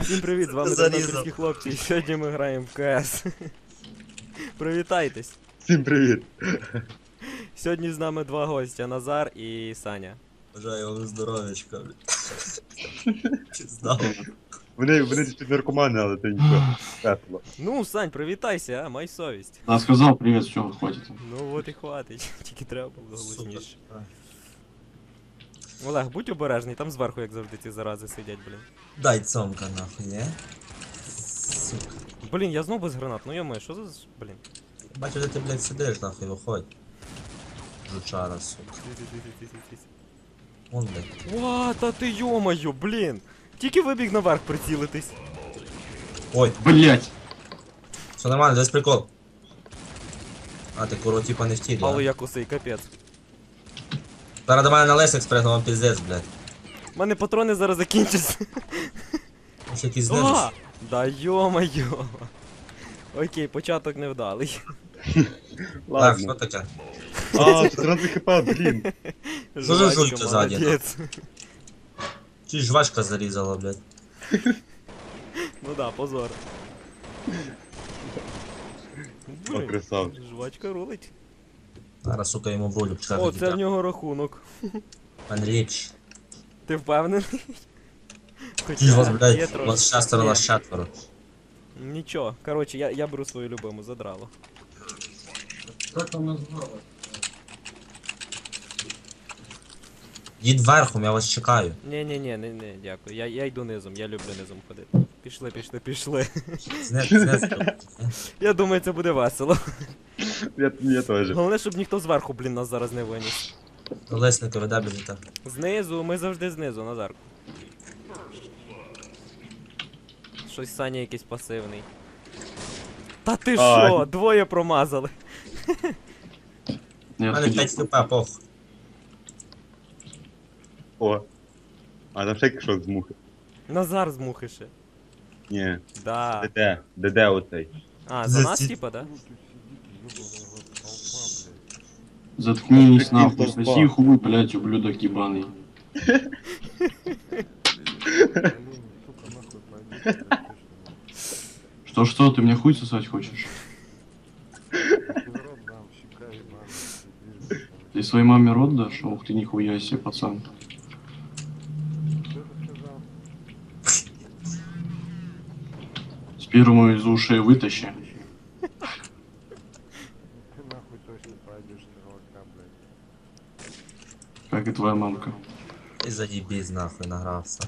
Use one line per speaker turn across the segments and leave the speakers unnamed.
Всім привіт, з вами Тернопільські хлопці, і сьогодні ми граємо в КС. Привітайтесь.
Всім привіт.
Сьогодні з нами два гостя, Назар і Саня.
Бажаю вам здоров'ячка, блядь. Піздав.
Вони чуть наркомани, але це нічого. Весело.
Ну, Сань, привітайся, а, май совість.
Да, сказал привет, все, хватит.
Ну от і хватить, тільки треба було голосніше.
Сука.
Олег, будь обережний, там зверху, як завжди, ці зарази сидять, блін.
Дай цомка нахуй, не? Сука.
Блін, я знов без гранат, ну йомо, що за... блін.
Бачу, де ти, блядь, сидиш, нахуй, виходь. Жучара, сука. Вон, блядь.
Ва, та ти йомаю, блін. Тільки вибіг наверх прицілитись.
Ой,
Блять!
все нормально, десь прикол. А, ти куро, типа, не в тілі,
Але
а?
я косий, капець.
Зараз до мене на лесик спригнув, вам піздець, блядь.
У мене патрони зараз закінчаться.
Ось якийсь знизу.
А! Да йо-моє. Окей, початок невдалий.
Так,
Ладно.
що таке?
А, 14 хп, блін.
Що за
Жвачка,
жуйка ззаді,
молодець.
Чи жвачка зарізала, блядь.
Ну да, позор.
О,
Блін,
красавчик.
жвачка рулить.
Зараз, сука, йому в ролю пчка
О, це в нього рахунок.
Андрійч.
Ти впевнений?
Ті ж вас,
є
блядь,
трошки.
вас шестеро,
Ні,
нас четверо.
Нічого, коротше, я беру свою любиму, задрало.
Как там назвала?
Їдь верхом, я вас чекаю.
Ні, не, дякую. Я йду низом, я люблю низом ходити. Пішли.
Знес.
Я думаю, це буде весело.
Я теж.
Головне, щоб ніхто зверху, блін, нас зараз не виніс.
Лесника веде біжите.
Знизу, ми завжди знизу, Назарку. Щось Саня якийсь пасивний. Та ти
Ай.
що? Двоє промазали.
У
Нет,
мене 5 хп, пох.
О. А там ще кишок з мухи.
Назар з мухи ще.
Ні.
Да.
Де оцей?
А, за нас
Зі-
типа, да?
Заткнись нахуй,
толпа.
соси хуй, блять, ублюдок ебаный. Что, ты мне хуй сосать хочешь? Ты своей маме рот дашь? Ух ты, нихуя себе, пацан. Сперму из ушей вытащи.
Нахуй точно пойдешь стрелка, блядь.
Как и твоя мамка.
І заїбісь нахуй, награвся.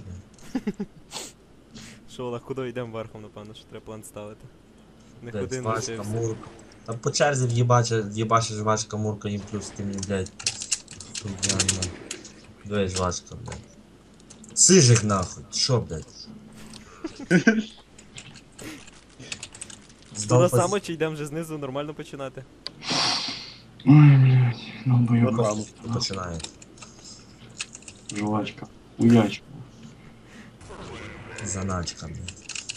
Що, Олег, куди йдемо верхом, напевно, що треба план ставити. Не
Блядь,
ходи, не
жвачка,
вчився.
мурка. Там по черзі в'єбача жвачка, мурка, їм плюс ти мені, блядь. Хуйня, двоє жвачка, блядь. Сижик нахуй, що, блядь?
Туди само чи йдемо вже знизу нормально починати?
Ой, блядь, ну боёк.
Починає.
Жвачка. Уячка.
Заначка, блядь.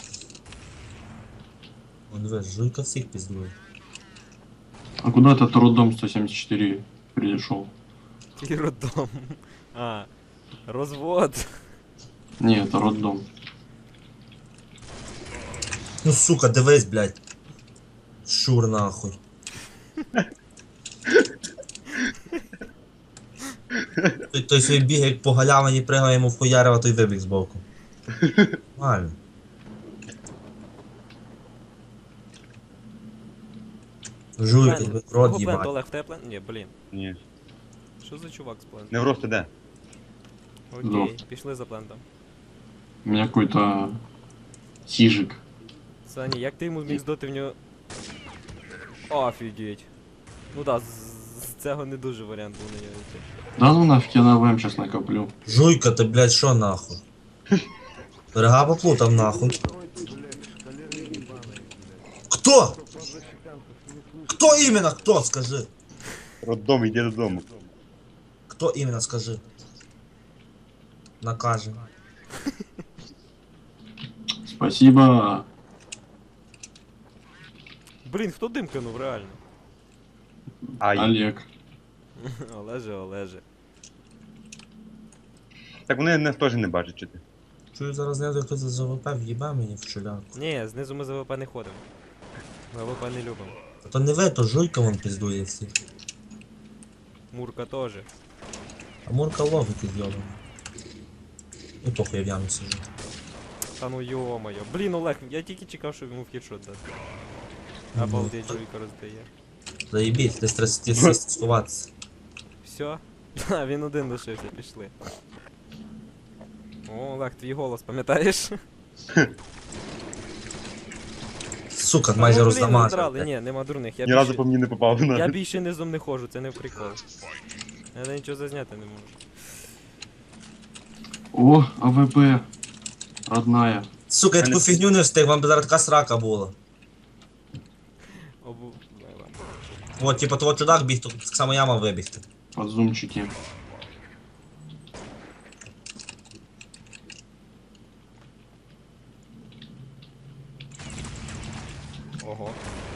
Он дивись, жуйка всіх піздує.
А куда этот роддом 174 пришел?
Який роддом. А, розвод.
Не, это роддом.
Ну сука, дивись, блядь. Шур нахуй. Той свій бігає як по галявині, пригає йому в хуярева, той вибіг збоку. Нормально. Жуйка, рот
Кого плент,
їбать.
Олег, в тебе плент? Ні, блін.
Ні.
Що за чувак з плентом?
Не в росте де?
Окей,
Жовт.
пішли за плентом.
У меня какой-то сижик.
Саня, як ти йому зміг здати в нього... Офігеть. Ну да, з цього не дуже варіант був на нього йти.
Да ну нафиг, я на ВМ сейчас накоплю.
Жуйка, ти, блядь, що нахуй? Берега поплутав нахуй.
Стройте, блядь, шкалеры ебаные, блядь.
Кто?
Кто защитянков не слышит?
Кто именно? Кто? Скажи.
Роддом, йди додому.
Кто именно? Скажи. Накажем.
Спасибо.
Блін, хто дим кинув, реально?
Ай.
Олег.
Олеже.
Так вони нас теж не бачать, чи ти?
Чую, зараз знизу хтось з ЗВП в'їбе мені в чуляку.
Ні, знизу ми за ВП не ходимо. Ми ВП не любимо.
А то не ви, то жуйка вон піздує всіх.
Мурка теж.
А Мурка логіки зйобана. І похуй я в ямі сижу.
Та ну йо-моє. Блін, Олег, я тільки чекав, щоб йому в хідшот дати. Обалдеть, жуйка роздає.
Заєбіть, десь треба сховатися.
Все? А, він один лишився, пішли. О, Олег, твій голос, пам'ятаєш?
Сука,
Та
майже
ну, блін,
роздамажив.
задрали.
блядь.
Ні, нема дурних. Я
Ні разу
більше,
по мені не попав
я
на.
більше низом не ходжу, це не прикол. Я нічого зазняти не можу.
О, АВП. Родная.
Сука, я таку фігню не встиг, вам би зараз така срака була.
Обу... Ладно.
От, типа, того чудак біг, то так само я мав вибігти.
Подзумчики.
Ого.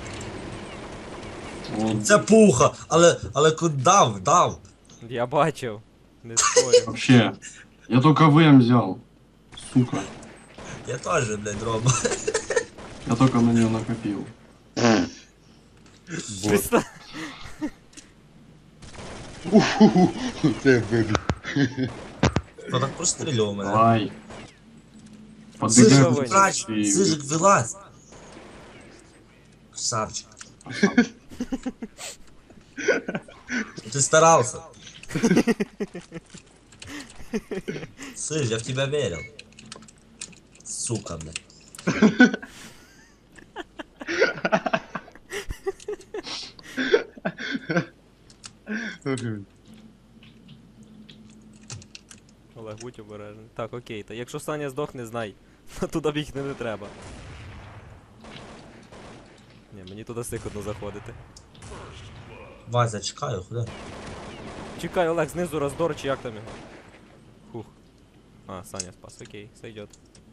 О,
Це пуха, але дав.
Я бачив. Не спорю.
вообще. Я только ВМ взял. Сука.
Я теж, блядь, роблю.
Я только на нее накопил.
Бот.
Представ...
Це вибіг.
Хто так прострілював мене?
Давай.
Сыжик,
Сижик,
Ваня.
врач, Сижик, вилазь. Красавчик. Ты старался. Сыж, я в тебя верил. Сука, блядь.
Олег, будь обережний. Так, окей, та якщо Саня здохне, знай. Туди бігти не треба. Ні, мені туди сикотно заходити.
Вася, чекаю, куди?
Чекай, Олег, знизу роздор, чи як там його? Хух. А, Саня спас, окей, сойдет.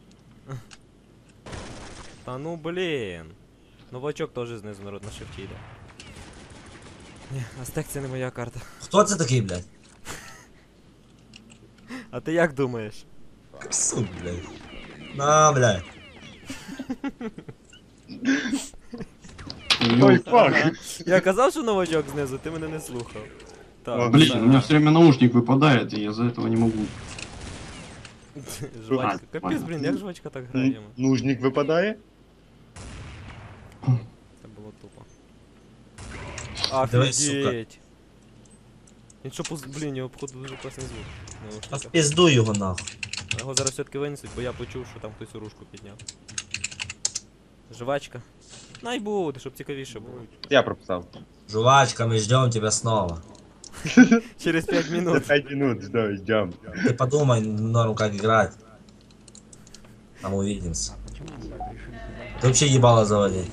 Та ну блін. Новачок теж знизу народ на шифті йде. Ні, Астек це не моя карта.
Хто це такий, блядь?
А ти як думаєш?
Сука, блядь. На, блядь.
Ой, фак.
Я казав, що новачок знизу, ти мене не слухав. Так,
Блин, у меня все время наушник выпадает, и я из-за этого не могу.
жвачка. Капець, блін, як жвачка так грає йому?
Нужник випадає?
Це було тупо.
Давай, сука.
Офігеть. Він що, блін, його походу дуже класний звук.
А в
Наушника.
пизду його нахуй.
Його зараз все-таки винесуть, бо я почув, що там хтось ружку підняв. Жвачка. Най буде, щоб цікавіше було.
Я прописав.
Жвачка, мы ждем тебя снова.
Через 5 минут.
5 минут, ждем.
Ты подумай, норм, как играть. Там увидимся. Ты вообще ебало заводи.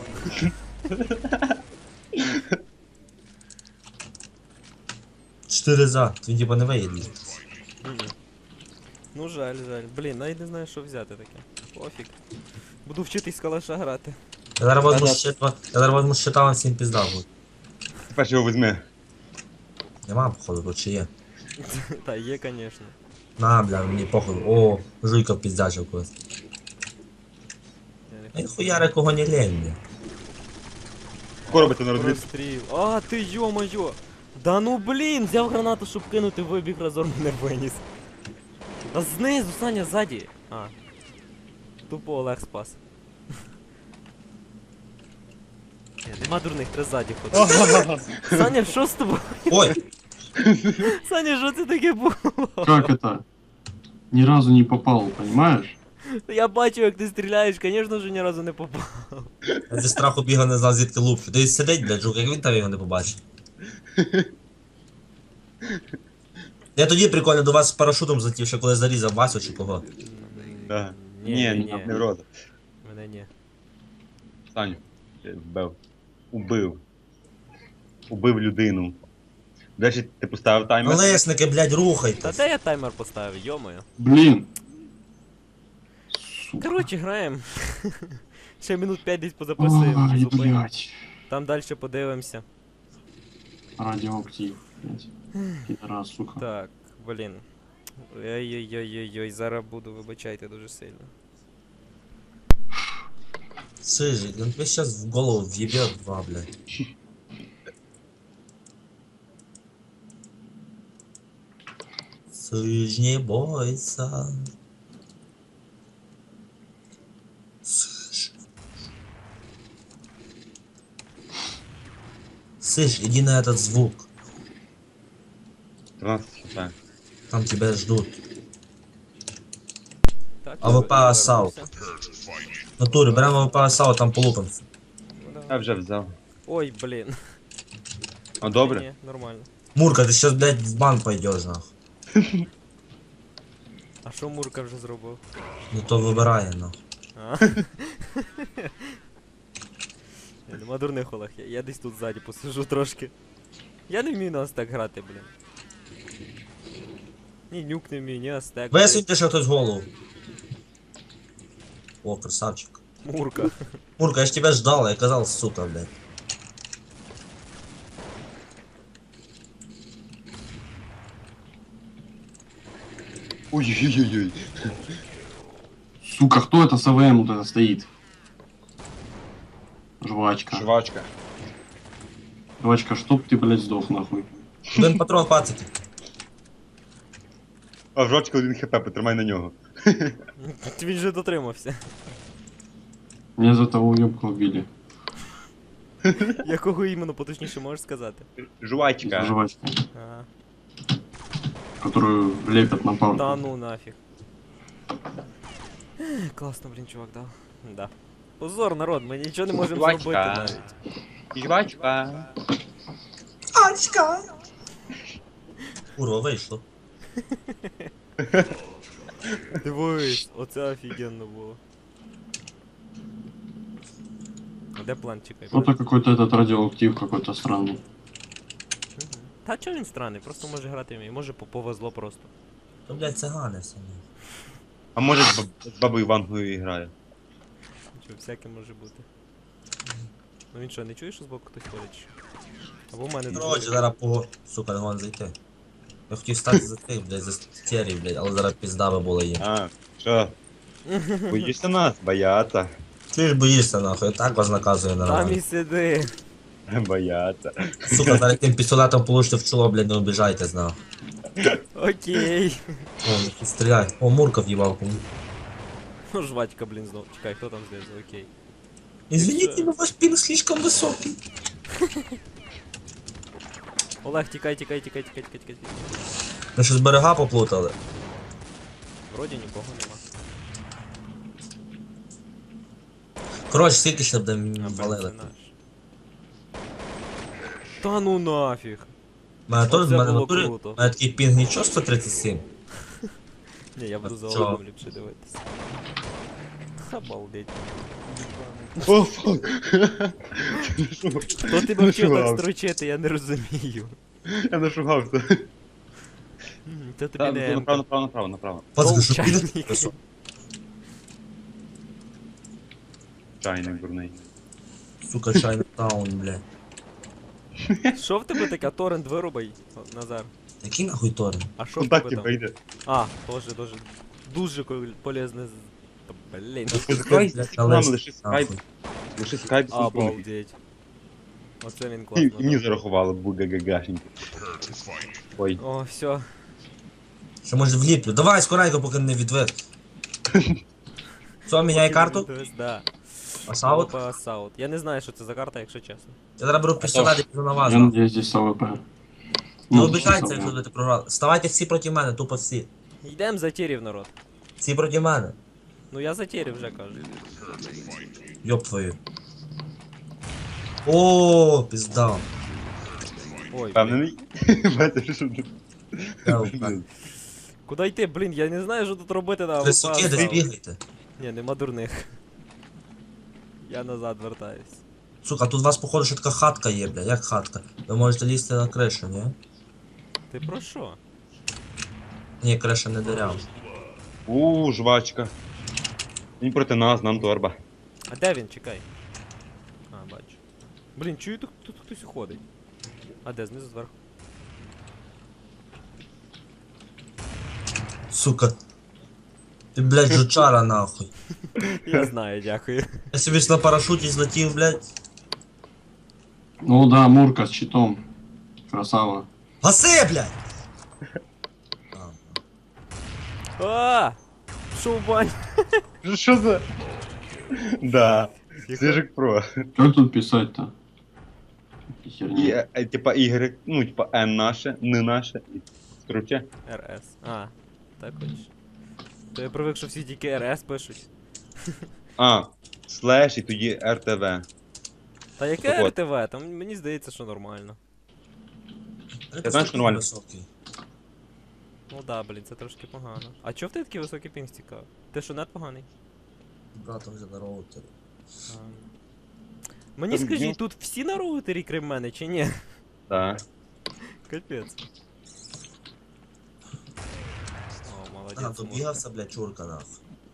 Чотири за, ти типа не виїдеш.
Мгм. Ну жаль, жаль. Блін, навіть не знаю, що взяти таке. Пофіг. Буду вчитись з калаша грати.
Я зараз возьму щита, я зараз возьму щита, вам всім пізда буде.
Тепер його візьми.
Нема, походу, тут чи є.
Та є, звісно.
На, бля, мені походу. О, жуйка піздячив когось.
Я не
Ай, хуяри кого не лень, бля.
Коробити на розбір.
Простріл. А, ти йо-моє! Да ну блін, взяв гранату, щоб кинути, вибіг разом мене виніс. А знизу, Саня, ззаді. А. Тупо Олег спас. Ні, нема дурних, треба ззаді ходити. Саня, що з тобою?
Ой,
Саня, що це таке було?
Как это? Ни разу не попал, понимаешь?
Я бачу, як ти стріляєш, звісно ж, ні разу не попав.
я зі страху бігав, не знав звідки луплю. Десь сидить, блядь, жук, як він там його не побачив. Я тоді прикольно до вас з парашутом злетів, ще коли зарізав Васю чи кого.
Да.
Ні,
Ні, не вроде.
Мене ні.
Саню. Ти вбив. Убив людину. До речі, ти поставив таймер?
Колесники, блядь,
Та
рухайте.
де я таймер поставив, йомою.
Блин. Сука.
Коротше, граємо. Ще минут 5 десь позаписуємо.
Ай,
зупинимо.
блядь.
Там далі подивимося.
Радиоактив. блядь. Пидорас, сука.
Так, блін. Ой-ой-ой-ой-ой, зараз буду, вибачайте дуже сильно.
Сыжик, он тебе сейчас в голову въебет два, блядь. Сыж, не бойся. Сыж. Сыж, иди на этот звук.
13 хп.
Там тебя ждут.
Так,
АВП
я
Асаут.
вернувся.
В натуре, прямо АВП Асаут, там полупанцы.
Ну,
Я
да.
вже взяв.
Ой, блін.
А добре?
Ні, нормально.
Мурка, ты сейчас, блядь, в бан пойдешь, нахуй.
А що Мурка вже зробив?
Ну то выбирай, нахуй.
А? Ні, нема дурних Олег, я десь тут ззаді посижу трошки. Я не вмію на Астек грати, блін. Ні нюк не вмію, ні Астек.
Высуньте ще хтось голову. О, красавчик.
Мурка.
Мурка, я ж тебя ждал, я казал, сука, блядь.
Ой-ой-ой-ой.
Сука, кто это с АВМ вот это стоит? Жвачка.
Швачка.
Жвачка, чтоб ты, блядь, сдох нахуй.
Один патрон пацики.
А жвачка 1 хп, потримай на нього.
Він же дотримався.
Меня за того уебка убили.
Якого іменно поточніше можеш сказати?
Жвачка.
Жвачка,
Ага.
которую лепят на палку.
Та ну нафіг. Класно, блін, чувак дав. Да. Позор, народ, ми нічого не можемо
Жвачка.
зробити навіть.
Жвачка.
Ачка! Курва, вийшло.
Дивись, оце офігенно було. А де план, чекай?
Кто-то какой-то этот радиоактив какой-то странный.
Мгм. Та чого він странний, просто може грати вміє, може повезло просто.
То, блядь, цигани все.
А може з бабою Вангою грає?
Чого, всяке може бути. Ну він що, не чуєш, що збоку хтось ходить? чи що? Або в мене
Короче, зараз по... Сука, не можна зайти. Я хотів стати за тих, блядь, за стері, блядь, але зараз пізда би була їм.
А, що? Боїшся нас? Бояться.
Ти ж боїшся, нахуй, я так вас наказую
Там і
нормально.
сиди.
Бояться.
Сука, зараз тим пістолетом получите в чоло, блядь, не обіжайтесь, нахуй.
Окей.
О, не стріляй. О, Мурка в'їбав кому.
Ну, жвачка, блін, знов. Чекай, хто там знизу, окей.
Извините, но ваш пинг слишком высокий.
Олег, тікай, тікай, тікай, тікай, тікай, тікай.
Ми щось берега поплутали.
Вроді нікого нема.
Коротше, скільки ще буде
А,
валили?
це наш. Та ну нафіг.
Мене теж,
Оце
мене
було
натурі,
круто.
мене такий пінг нічого 137.
Ні, я буду за
чого?
Олегом ліпше дивитися. Обалдеть.
О, фак.
Хто тебе вчив так
Нашугався.
строчити, я не розумію.
Я нашугався.
Це тобі
Так,
не
направо,
М-ка.
направо.
Пацки, що
чайник.
пінг високий?
Чайник дурний.
Сука, Чайнатаун, бля.
Що в тебе таке? Торрент вирубай, Назар.
Який нахуй торрент?
А що в тебе
Контакти
там?
вийде.
А, дуже полезне. Та, блін.
Скайп,
Блядь,
нам
Олесь,
лише скайп.
нахуй.
Лише скайп з телефону.
Обалдеть. Оце він
І
класно.
мені
дав.
зарахували бугагагашеньки. Ой.
О, все.
Що може вліплю? Давай, скоренько, поки не відвед. Все, міняй карту.
Да.
Асаут.
Асаут. Я не знаю, що це за карта, якщо чесно.
Я зараз беру пістолет і піду на вас.
Я надеюсь, здесь АВП.
Не
Ну,
обіжайте,
здесь
якщо
АВП.
будете програли. Ставайте всі проти мене, тупо всі.
Йдемо за тірів, народ.
Всі проти мене.
Ну я за тірів вже кажу.
Йоп твою. О, пізда.
Ой, блін.
Впевнений? Бачиш, що тут?
Я впевнений.
Куди йти, блін, я не знаю, що тут робити на
Ви суки, десь бігайте.
Ні, нема дурних. Я назад вертаюсь.
Сука, тут у вас походу ще така хатка є, бля. Як хатка? Ви можете лізти на кришу, ні?
Ти про що?
Ні, криша не дирява.
Жвачка. Він проти нас, нам торба.
А де він? Чекай. А, бачу. Блін, чую, тут хтось ходить. А де, знизу зверху?
Сука. Ти, блядь, жучара нахуй.
Я знаю, дякую.
Я собі ж на парашуті злетів, блядь.
Ну да, Мурка с щитом. Красава.
Гаси, блядь! А,
А! Шо в баню?
Що за... Да. Сижик про.
Что тут писать-то? Херня.
Типа Y, ну типа N наше, не наше. Короче.
РС. А, так хочеш. То я привик, що всі тільки РС пишуть.
А, слеш і тоді RTV.
Та яке
Так от.
РТВ? Там мені здається, що нормально.
я
знаєш,
такий
нормально.
високий.
Ну да, блін, це трошки погано. А чого в тебе такий високий пінг цікаво? Ти що, нет поганий?
Братом вже на роутері.
А. Мені
Там
скажіть,
є-
тут всі на роутері, крім мене, чи ні?
Так.
Капець. О,
А,
молодець.
то
Мурка.
бігався, блядь, чурка нахуй.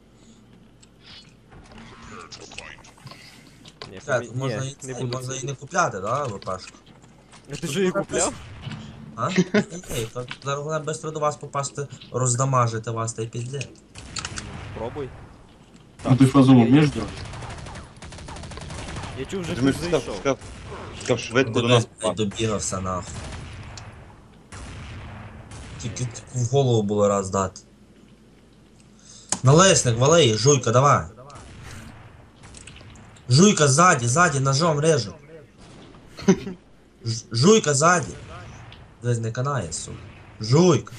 Ні,
Так,
ні,
можна,
не
і,
буду.
можна і не купляти, да, ВПшку?
Ти ж її купляв?
А? Ні, то зараз вона швидко до вас попасти, роздамажити вас та й піде.
Пробуй.
Ну ты фазу умеешь делать?
Я чув, вже
Ти ж
хтось
сказав,
зайшов.
сказав швидко до нас
Блядь,
попасти.
добігався нахуй. Тільки в голову було раз дати. Налесник, вали їх, жуйка, давай. Жуйка ззаді, ножом режу. Жуйка ззаді. Десь не канає, сука. Жуйка.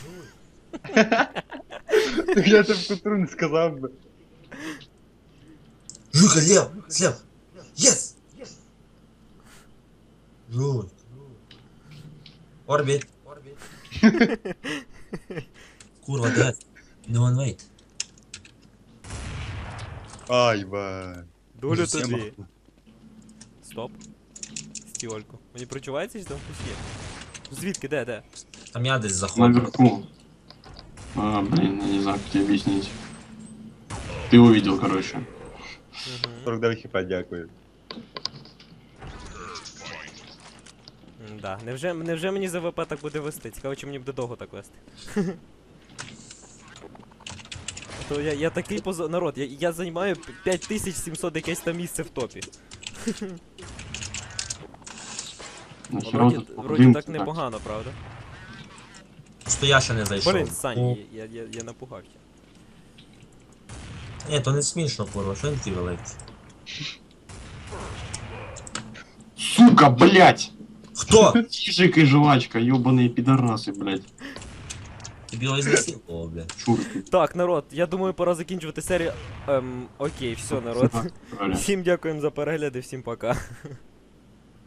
Я тебе в котру не сказав би.
Жуйка, слева. Єс! Жуйка. Орбіт. Курва, де? Не one wait.
Ай, ба.
Долю
Всім
тобі. Стоп. Стіольку. Мені прочувається, що там хтось є? Звідки, де?
Там я десь заходжу.
Наверху. А, блин, я не знаю, как тебе объяснить. Ты увидел, короче.
Угу.
49 хп, дякую.
Да. Невже мені за ВП так буде вести? Цікаво, чи мені буде довго так вести. То я такий народ, я займаю 5700 якесь там місце в топі.
Нахера
Вроді,
тут
вроді
дым-то
так непогано, правда?
Що я ще не зайшов.
Блін, Саня, я напугався.
Ні, то не смішно, курва, що він такий великий.
Сука, блять!
Хто?
Чижик и жвачка, ёбаные пидорасы, блять.
Тобі його ізнасилував, блядь.
Чурки.
Так, народ, я думаю, пора закінчувати серію. Окей, все, народ.
Правильно.
Всім дякуємо за перегляди, всім пока.